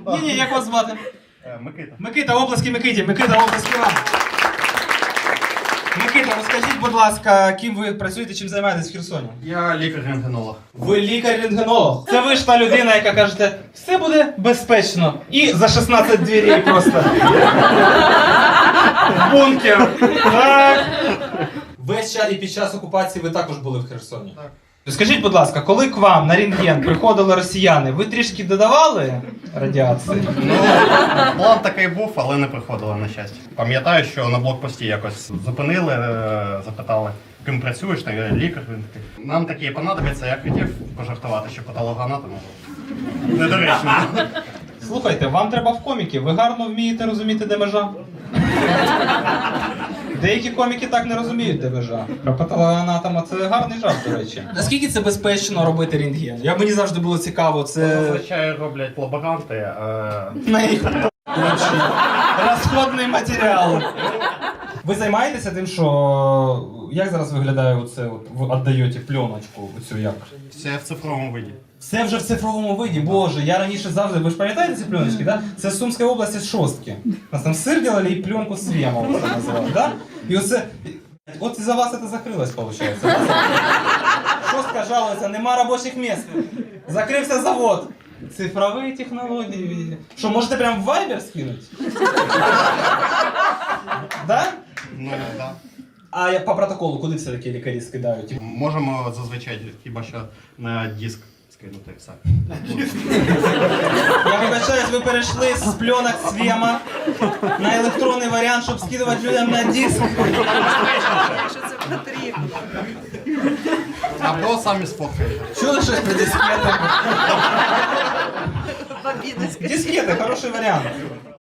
Ні, як вас звати? Микита. Микита, оплески Микиті. Микита, оплески вам. Микита, розкажіть, будь ласка, ким ви працюєте, чим займаєтесь в Херсоні? Я лікар-рентгенолог. Ви лікар-рентгенолог. Це ви ж та людина, яка кажете, все буде безпечно. І за 16 дверей просто. Бункер. Так. Весь час і під час окупації ви також були в Херсоні? Так. Скажіть, будь ласка, коли к вам на рентген приходили росіяни, ви трішки додавали радіації? Ну, план такий був, але не приходило, на щастя. Пам'ятаю, що на блокпості якось зупинили, запитали, ким працюєш, та я лікар. Він такий, нам такі понадобиться, я хотів пожартувати, що патологоанатом. Недоречно. Слухайте, вам треба в коміки, ви гарно вмієте розуміти, де межа. Деякі коміки так не розуміють, де межа. Про патологоанатома це гарний жарт, до речі. Наскільки це безпечно робити рентген? Мені завжди було цікаво, це... Зазвичай роблять лаборанти. На їх розходний матеріал. Ви займаєтеся тим, що... Як зараз виглядає оце, от ви віддаєте пленочку, оцю як? Все в цифровому виді. Все вже в цифровому виді, боже, я раніше завжди, ви ж пам'ятаєте ці пленочки, да? Це з Сумської області з Шостки. У нас там сир делали і пленку Свемова це називали, да? І оце, от із-за вас це закрилось, виходить. Да? Шостка жалується, нема робочих місць, закрився завод. Цифрові технології. Що, можете прям в Viber скинути? Да? Ну, так. А по протоколу куди все-таки лікарі скидають? Можемо зазвичай хіба що на диск скинути все. Я вибачаюсь, ви перейшли з пленок Свема на електронний варіант, щоб скидувати людям на диск. Що це потрібно? Або самі сфоткаєте. Чули щось про дискети? Бабіна, скажіть. Дискети, хороший варіант.